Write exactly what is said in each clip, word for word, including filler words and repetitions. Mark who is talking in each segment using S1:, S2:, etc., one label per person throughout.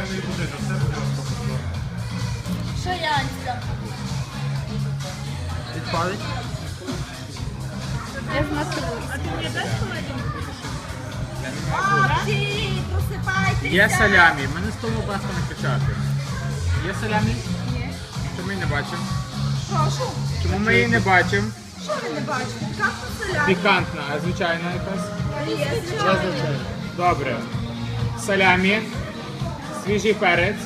S1: не буде, то все буде розпаковано.
S2: Шаянська.
S3: Відпалить?
S2: Я знаю.
S4: А ти мені дасть холодильник?
S2: Хлопці, просипайтеся.
S3: Є салямі. Мене з того баста не кричати. Є салямі?
S2: Є.
S3: Чому ми не бачимо?
S2: Прошу.
S3: Чому ми її не бачимо?
S2: Що ви не бачите? Пікантна соляна.
S3: Пікантна, а звичайна якась?
S2: Є, звичайно.
S3: Добре. Салямі, свіжий перець,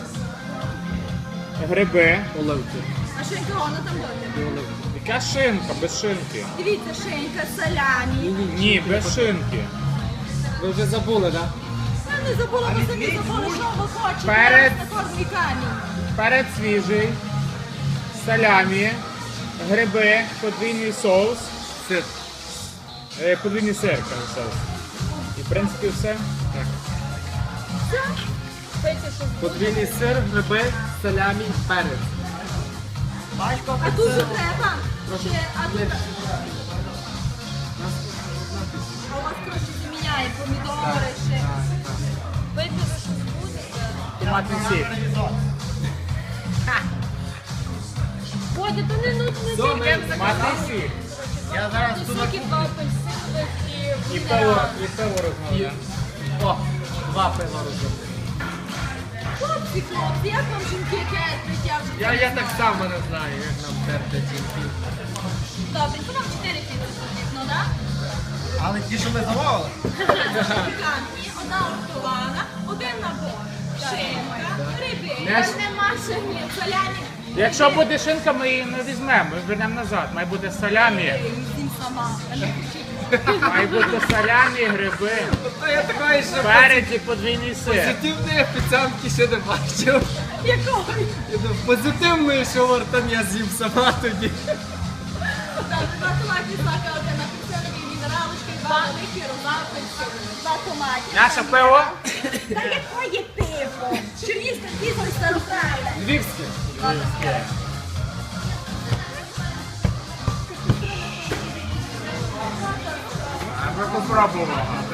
S3: гриби. Оливки.
S2: А шинка вона там буде?
S3: Яка шинка, без шинки?
S2: Дивіться, шинка, салямі.
S3: Ні, без шинки.
S5: Ви вже забули, так?
S2: Я не забула, ви самі забули, що ви хочете.
S3: Перець.
S2: На кормі камінь.
S3: Перець свіжий, салямі, гриби, подвійний соус.
S5: Сир.
S3: Е, Подвійний сир, кажу, соус. І в принципі все.
S2: Все. Пийте, що
S5: Подвійний сир, гриби, салямі, перець.
S2: А тут же треба. Ще, а тут... А у вас коротше заміняє помідори ще. Пийте, ви щось будете.
S3: Томатний сік.
S2: Бодя, то не нужно тільки
S3: Томатний сік.
S5: Я зараз
S2: соки, два апельсинових і
S3: І пиво,
S2: мінерал.
S3: і пиво розмовляємо.
S5: О, два пива розумію.
S2: Хлопці, хлопці, як вам жінки терплять? Я вже
S5: Я, я так само не знаю, як нам терпять жінки.
S2: Добре, то вам чотири піти потрібно, так?
S1: Але ті, що ми замовили.
S2: Пікантні, одна готована, один набор. Шинка, риби.
S3: Не ж-
S2: Нема шині, соляні.
S3: Якщо буде шинка, ми її не візьмемо, ми вернемо назад. Має бути салямі,
S2: Їм сама. а не кричіть.
S3: має бути салямі, гриби,
S5: А я такої ще
S3: перець і подвійний сир.
S5: позитивної офіціантки ще не бачив.
S2: Якої?
S5: Я думаю, позитивної, що вартан я з'їм сама тоді.
S2: Добре, два томатні соки, один апельсиновий, мінералочки, два великі, розапельси, два томаті.
S3: Наше пиво.
S2: Та якої пиво? Чернігівська піва і староправда.
S5: Львівське.
S3: А ми попробуємо.